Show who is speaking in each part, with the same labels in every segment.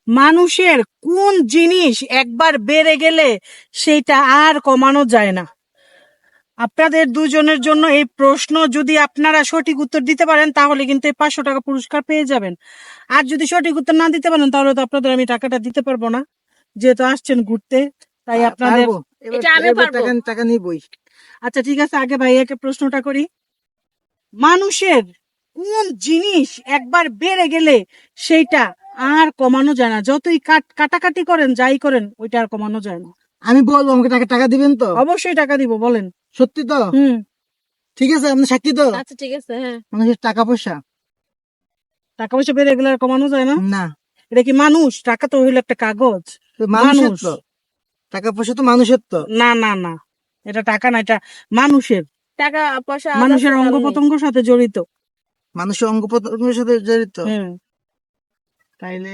Speaker 1: মানুষের কোন জিনিস একবার বেড়ে গেলে সেটা আর কমানো যায় না? আপনাদের দুজনের জন্য এই প্রশ্ন, যদি আপনারা সঠিক উত্তর দিতে পারেন তাহলে কিন্তু এই 500 টাকা পুরস্কার পেয়ে যাবেন। আর যদি সঠিক উত্তর না দিতে পারেন তাহলে তো আপনাদের আমি টাকাটা দিতে পারবো না, যেহেতু আসছেন ঘুরতে, তাই আপনাদের টাকা নিবই। আচ্ছা ঠিক আছে, আগে ভাইয়াকে প্রশ্নটা করি। মানুষের কোন জিনিস একবার বেড়ে গেলে সেইটা আর কমানো যায় না? যতই কাটাকাটি করেন, যাই করেন, ওইটা আর কমানো যায় না।
Speaker 2: আমি বলবো, আমাকে টাকা দিবেন তো?
Speaker 1: অবশ্যই টাকা দিব, বলেন।
Speaker 2: সত্যি তো? ঠিক আছে, আপনি সাক্ষী তো?
Speaker 3: আচ্ছা ঠিক আছে। হ্যাঁ,
Speaker 2: মানুষের টাকা পয়সা।
Speaker 1: টাকা পয়সা বেড়ে গেলে আর কমানো যায় না?
Speaker 2: না,
Speaker 1: এটা কি মানুষ? টাকা তো হইলো একটা কাগজ।
Speaker 2: মানুষের তো টাকা পয়সা, তো মানুষের তো।
Speaker 1: না না না, এটা টাকা না, এটা মানুষের।
Speaker 3: টাকা পয়সা
Speaker 1: মানুষের অঙ্গ প্রত্যঙ্গের সাথে জড়িত।
Speaker 2: মানুষের অঙ্গ প্রত্যঙ্গের সাথে জড়িত।
Speaker 1: হুম।
Speaker 2: তাইলে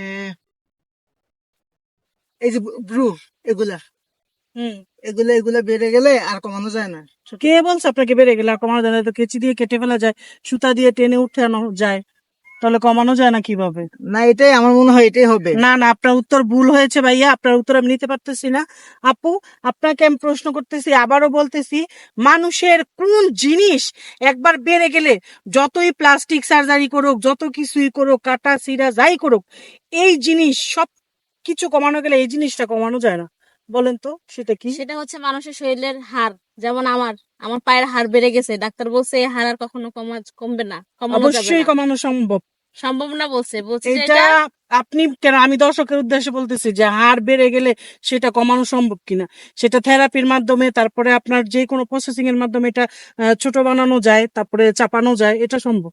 Speaker 2: এই যে ব্রু, এগুলা এগুলা বেড়ে গেলে আর কমানো যায় না।
Speaker 1: কে বলছে আপনাকে বেড়ে গেলে আর কমানো যায় না? তো কেচি দিয়ে কেটে ফেলা যায়, সুতা দিয়ে টেনে উঠানো যায়, তাহলে কমানো যায় না কিভাবে?
Speaker 2: না, এটাই আমার মনে হয়, এটাই হবে।
Speaker 1: না না, আপনার উত্তর ভুল হয়েছে ভাইয়া, আপনার উত্তর আমি নিতে পারতেছি না। আপু, আপনাকে আমি প্রশ্ন করতেছি, আবারও বলতেছি, মানুষের কোন জিনিস একবার বেড়ে গেলে, যতই প্লাস্টিক সার্জারি করুক, যত কিছুই করুক, কাটা সিরা যাই করুক, এই জিনিস সব কিছু কমানো গেলে এই জিনিসটা কমানো যায় না? বলেন তো সেটা কি?
Speaker 3: সেটা হচ্ছে মানুষের শরীরের হাড়। যেমন আমার পায়ের হাড় বেড়ে গেছে, ডাক্তার বলছে এই হাড় আর কখনো কমবে না, কমানো যাবে
Speaker 1: অবশ্যই
Speaker 3: না।
Speaker 1: কমানো সম্ভব।
Speaker 3: সম্ভব না বলছে যে
Speaker 1: এটা আপনি কেন, আমি দর্শকের উদ্দেশ্যে বলতেছি যে হাড় বেড়ে গেলে সেটা কমানো সম্ভব কিনা, সেটা থেরাপির মাধ্যমে, তারপরে আপনার যে কোনো প্রসেসিং এর মাধ্যমে এটা ছোট বানানো যায়, তারপরে চাপানো যায়, এটা সম্ভব।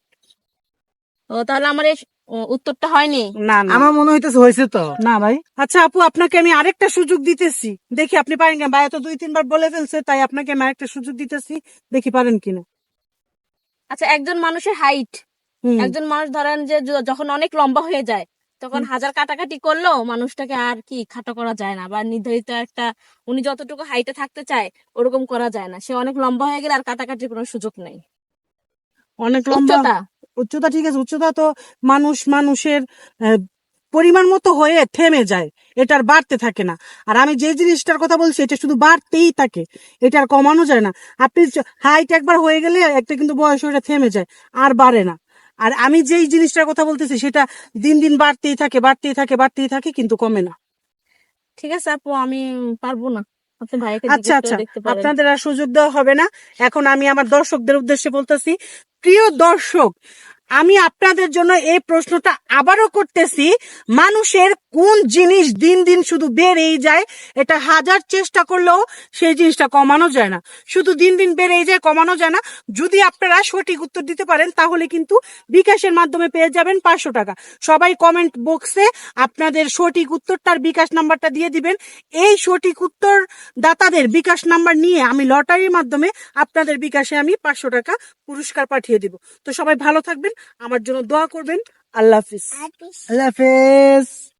Speaker 3: ও তাহলে আমার এই উত্তরটা হয়নি।
Speaker 1: না না,
Speaker 2: আমার মনে হইতেছে হয়েছে তো।
Speaker 1: না ভাই। আচ্ছা আপু, আপনাকে আমি আরেকটা সুযোগ দিতেছি, দেখি আপনি পারেন কিনা। ভাই তো 2-3 বার বলে ফেলছে, তাই আপনাকে আমি আরেকটা সুযোগ দিতেছি, দেখি পারেন কিনা।
Speaker 3: আচ্ছা, একজন মানুষের হাইট, একজন মানুষ ধরেন যে যখন অনেক লম্বা হয়ে যায়, তখন হাজার কাটাকাটি করলেও মানুষটাকে আর কি খাটো করা যায় না, বা নির্ধারিত একটা উনি যতটুকু হাইটে থাকতে চায় ওরকম করা যায় না। সে অনেক লম্বা হয়ে গেলে আর কাটাকাটির কোনো সুযোগ নেই।
Speaker 1: অনেক লম্বা উচ্চতা, ঠিক আছে, উচ্চতা তো মানুষের পরিমাণ মতো হয়ে থেমে যায়, এটার বাড়তে থাকে না। আর আমি যে জিনিসটার কথা বলছি এটা শুধু বাড়তেই থাকে, এটা আর কমানো যায় না। আপনি হাইট একবার হয়ে গেলে একটা কিন্তু বয়স ওটা থেমে যায়, আর বাড়ে না। আর আমি যেই জিনিসটার কথা বলতেছি সেটা দিন দিন বাড়তেই থাকে, বাড়তেই থাকে, বাড়তেই থাকে, কিন্তু কমে না।
Speaker 3: ঠিক আছে আপু, আমি পারবো না, আপনি ভাইকে
Speaker 1: আচ্ছা
Speaker 3: জিজ্ঞেস
Speaker 1: আচ্ছা,
Speaker 3: করে দেখতে পারেন।
Speaker 1: আপনাদের আর সুযোগ দেওয়া হবে না। এখন আমি আমার দর্শকদের উদ্দেশ্যে বলতেছি, প্রিয় দর্শক, আমি আপনাদের জন্য এই প্রশ্নটা আবারও করতেছি, মানুষের কোন জিনিস দিন দিন শুধু বেড়েই যায়, এটা হাজার চেষ্টা করলেও সেই জিনিসটা কমানো যায় না, শুধু দিন দিন বেড়েই যায়, কমানো যায় না। যদি আপনারা সঠিক উত্তর দিতে পারেন তাহলে কিন্তু বিকাশের মাধ্যমে পেয়ে যাবেন 500 টাকা। সবাই কমেন্ট বক্সে আপনাদের সঠিক উত্তরটার বিকাশ নাম্বারটা দিয়ে দিবেন। এই সঠিক উত্তর দাতাদের বিকাশ নাম্বার নিয়ে আমি লটারির মাধ্যমে আপনাদের বিকাশে আমি 500 টাকা পুরস্কার পাঠিয়ে দিব। তো সবাই ভালো থাকবেন, আমার জন্য দোয়া করবেন। আল্লাহ হাফিজ।
Speaker 2: আল্লাহ হাফেজ।